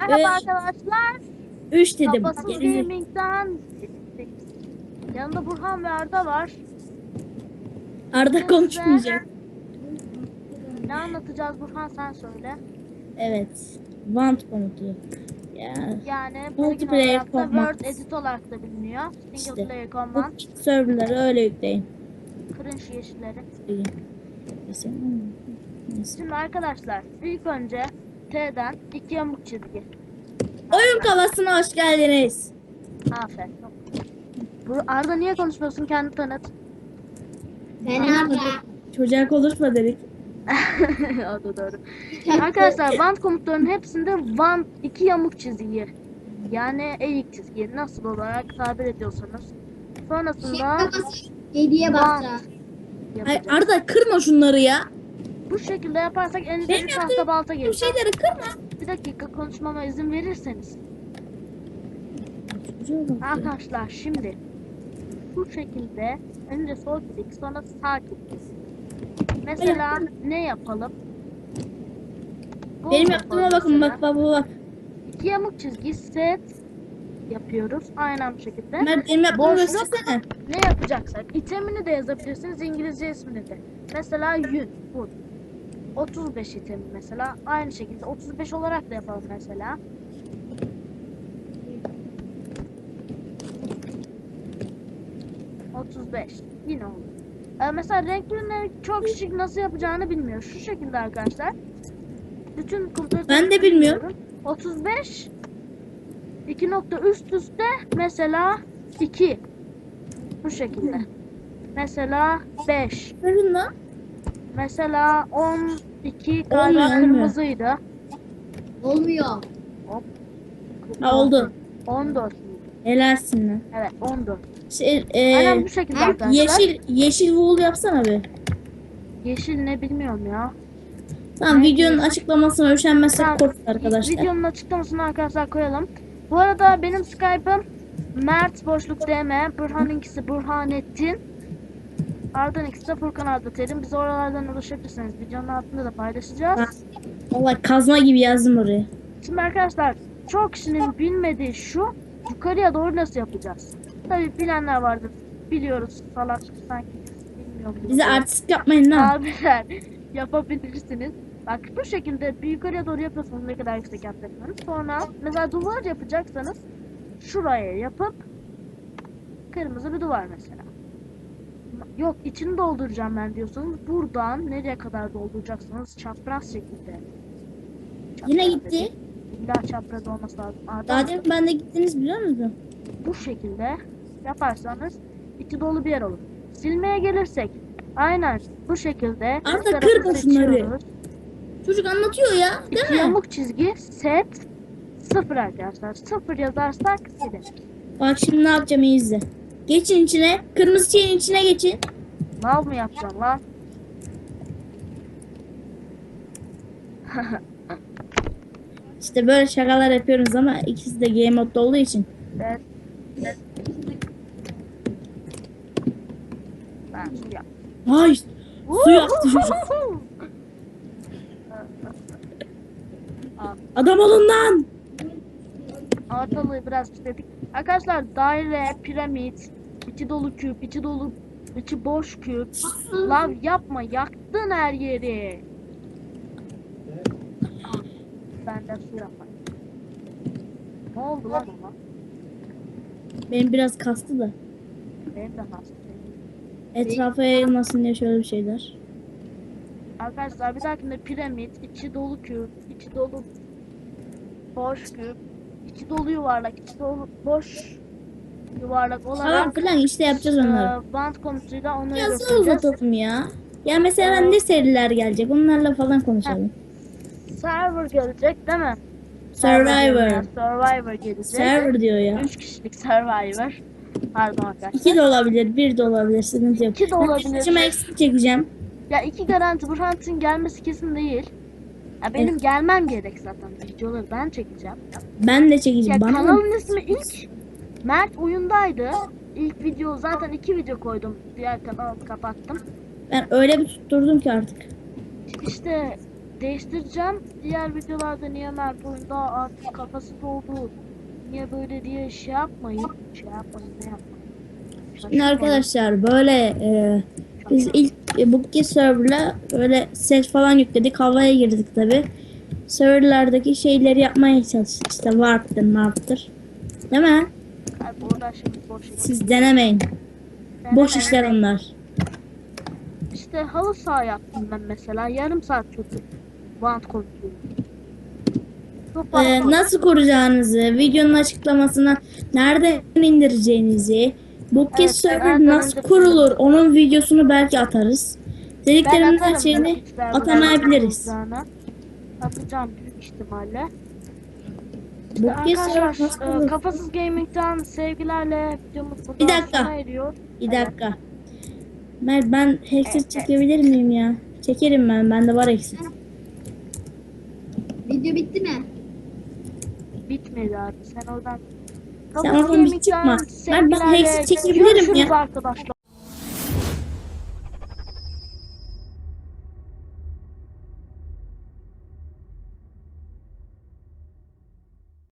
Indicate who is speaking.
Speaker 1: Merhaba arkadaşlar.
Speaker 2: 3 dedim.
Speaker 1: Kafasız Gaming'den yanında Burhan ve Arda var.
Speaker 2: Arda konuşmayacak.
Speaker 1: Ne anlatacağız Burhan, sen söyle.
Speaker 2: Evet. Want komutu. Ya.
Speaker 1: Yani
Speaker 2: Multiplayer
Speaker 1: olarak da
Speaker 2: command.
Speaker 1: Word edit olarak da biliniyor. Single
Speaker 2: İşte.
Speaker 1: player
Speaker 2: Bu
Speaker 1: command.
Speaker 2: serverları öyle yükleyin.
Speaker 1: Cringe yeşilleri.
Speaker 2: Neyse.
Speaker 1: Şimdi arkadaşlar ilk önce T'den 2 yamuk çizgi.
Speaker 2: Oyun kafasına hoş geldiniz.
Speaker 1: Aferin. Bu Arda niye konuşmuyorsun, kendi tanıt.
Speaker 3: Ben Arda.
Speaker 2: Çocuğa konuşma dedik.
Speaker 1: O da doğru. Arkadaşlar want komutlarının hepsinde want 2 yamuk çizgi. Yani eğik çizgi nasıl olarak tabir ediyorsanız. Sonrasında
Speaker 3: Hediye
Speaker 1: want
Speaker 3: bastı.
Speaker 2: Ay,
Speaker 1: yapacağız.
Speaker 2: Arda kırma şunları ya.
Speaker 1: Bu şekilde yaparsak elinize
Speaker 2: Benim
Speaker 1: bir tahta
Speaker 2: yaptığım
Speaker 1: balta
Speaker 2: bu
Speaker 1: gelir.
Speaker 2: şeyleri kırma.
Speaker 1: Bir dakika konuşmama izin verirseniz. Arkadaşlar şimdi bu şekilde önce sol klik sonra sağ klik. Mesela ne yapalım?
Speaker 2: Benim yaptığıma bakın, bak bak bak.
Speaker 1: 2 yamuk çizgi set yapıyoruz aynı şekilde.
Speaker 2: Mert, benim yaptığımı
Speaker 1: Boşluk.
Speaker 2: göstersene.
Speaker 1: Ne yapacaksak itemini de yazabilirsiniz, İngilizce ismini de. Mesela yün bu 35 itemi mesela aynı şekilde 35 olarak da yapalım mesela. ...35 yine olur. Mesela renklerini çok kişi nasıl yapacağını bilmiyor. Şu şekilde arkadaşlar. Bütün kompütör
Speaker 2: Ben de bilmiyorum.
Speaker 1: 35 2 nokta üst üste mesela 2 bu şekilde. Mesela 5.
Speaker 2: Verin lan.
Speaker 1: Mesela 12
Speaker 2: Olmuyor,
Speaker 1: galiba
Speaker 2: olmuyor.
Speaker 1: kırmızıydı.
Speaker 3: Olmuyor.
Speaker 2: Ha, oldu.
Speaker 1: 14.
Speaker 2: Helalsin lan.
Speaker 1: Evet 14.
Speaker 2: Şey,
Speaker 1: Aynen bu şekilde arkadaşlar.
Speaker 2: yeşil wool yapsana bir.
Speaker 1: Yeşil ne bilmiyorum ya.
Speaker 2: Tamam,
Speaker 1: Ne
Speaker 2: videonun
Speaker 1: diyorsun?
Speaker 2: açıklamasına üşenmezsek
Speaker 1: Tamam,
Speaker 2: korkun arkadaşlar.
Speaker 1: videonun açıklamasını arkadaşlar koyalım. Bu arada benim Skype'ım Mert boşluk DM, Burhan'ınkisi Burhanettin, Arda'nınkisi de Furkan Arda Terim. Bize oralardan ulaşabilirsiniz. Videonun altında da paylaşacağız.
Speaker 2: Vallahi kazma gibi yazdım oraya.
Speaker 1: Şimdi arkadaşlar çok kişinin bilmediği şu, yukarıya doğru nasıl yapacağız? Tabii bilenler vardır. Biliyoruz salak sanki bilmiyorum.
Speaker 2: Bize artistik yapmayın lan.
Speaker 1: Abiler yapabilirsiniz. Bak bu şekilde bir yukarıya doğru yapıyorsunuz, ne kadar yüksek yapacaksanız. Sonra mesela duvar yapacaksanız şuraya yapıp kırmızı bir duvar mesela. Yok içini dolduracağım ben diyorsanız buradan nereye kadar dolduracaksınız çapraz şekilde.
Speaker 2: Yine
Speaker 1: Çapraz
Speaker 2: gitti.
Speaker 1: dedim. İlla çapraz olması lazım.
Speaker 2: Daha demin ben de gittiniz biliyor musun?
Speaker 1: Bu şekilde yaparsanız içi dolu bir yer olur. Silmeye gelirsek aynen bu şekilde
Speaker 2: Arda,
Speaker 1: üst tarafı
Speaker 2: kırma şunları.
Speaker 1: seçiyoruz.
Speaker 2: Çocuk anlatıyor ya, değil
Speaker 1: İki
Speaker 2: mi?
Speaker 1: yamuk çizgi set 0 arkadaşlar. 0 yazarsak silinir.
Speaker 2: Bak şimdi ne yapacağım, iyi izle. Geçin içine. Kırmızı şeyin içine geçin.
Speaker 1: Mal mı yapacağım lan?
Speaker 2: İşte böyle şakalar yapıyoruz ama ikisi de game modda olduğu için.
Speaker 1: Evet. Ben su yap.
Speaker 2: Ay, su yaptı çocuk. Adam olun lan.
Speaker 1: Ortalığı biraz istedik. Arkadaşlar daire, piramit, içi dolu küp, içi dolu, içi boş küp. Lav yapma, yaktın her yeri. Ben de su yapmak. Ne oldu lan ona?
Speaker 2: Benim biraz kastı da.
Speaker 1: Benim de hastayım.
Speaker 2: Etrafa yayılmasın diye şöyle bir şeyler.
Speaker 1: Arkadaşlar bir dahakinde piramit, içi dolu küp, içi dolu boş küp, içi dolu yuvarlak, içi dolu boş yuvarlak
Speaker 2: Falan
Speaker 1: olarak
Speaker 2: filan işte yapacağız onları.
Speaker 1: band komutuyla onları
Speaker 2: Biraz
Speaker 1: göstereceğiz.
Speaker 2: uzatalım ya. Ya mesela ne seriler gelecek, onlarla falan konuşalım.
Speaker 1: Server gelecek değil mi?
Speaker 2: Survivor.
Speaker 1: Survivor gelecek.
Speaker 2: Server diyor ya.
Speaker 1: 3 kişilik Survivor. Pardon arkadaşlar.
Speaker 2: 2 de olabilir, 1 de olabilir, sıkıntı yok.
Speaker 1: 2 de olabilir.
Speaker 2: Saçıma eksik çekeceğim.
Speaker 1: Ya 2 garanti, Burhan'ın gelmesi kesin değil. Ya benim
Speaker 2: Evet.
Speaker 1: gelmem gerek zaten. Videoları ben çekeceğim.
Speaker 2: Ben de
Speaker 1: Ya
Speaker 2: çekeceğim. Bana mı?
Speaker 1: kanalın ismi ilk Mert oyundaydı. İlk video zaten 2 video koydum. Diğer kanalı kapattım.
Speaker 2: Ben öyle bir tutturdum ki artık.
Speaker 1: İşte değiştireceğim. Diğer videolarda niye Mert oyunda artık kafası doldu, niye böyle diye şey yapmayın. Ne yapmayın.
Speaker 2: Şimdi
Speaker 1: Şaşırmayın.
Speaker 2: arkadaşlar böyle biz ilk Bookie server'la böyle ses falan yükledik. Havaya girdik tabi. Server'lardaki şeyleri yapmaya çalıştık. İşte warp'tır. Değil mi?
Speaker 1: Abi burada şimdi boş iş.
Speaker 2: Siz denemeyin. Boş işler onlar.
Speaker 1: İşte halı saha yaptım ben mesela. Yarım saat çözdüm. Band konusunu. Çok fazla.
Speaker 2: Nasıl kuracağınızı, videonun açıklamasına nereden indireceğinizi, Bookie
Speaker 1: Evet,
Speaker 2: server
Speaker 1: nereden
Speaker 2: nasıl
Speaker 1: indireceğinizi.
Speaker 2: kurulur, onun videosunu belki atarız.
Speaker 1: Ben
Speaker 2: Dediklerimden
Speaker 1: atarım
Speaker 2: şeyini
Speaker 1: büyük ihtimalle
Speaker 2: atamayabiliriz.
Speaker 1: bulacağına. Atacağım büyük ihtimalle.
Speaker 2: Bookie server
Speaker 1: Arkadaşlar
Speaker 2: nasıl kurulur?
Speaker 1: Kafasız Gaming'den sevgilerle videomuz burada
Speaker 2: Bir dakika.
Speaker 1: sona eriyor.
Speaker 2: Bir dakika. Mert ben headset çekebilir miyim ya? Çekerim ben. Bende var headset.
Speaker 3: Video bitti mi?
Speaker 1: Bitmedi abi. Sen oradan
Speaker 2: Sen oradan bir çıkma. Mert ben headset çekebilirim
Speaker 1: görüşürüz
Speaker 2: ya.
Speaker 1: arkadaşlar.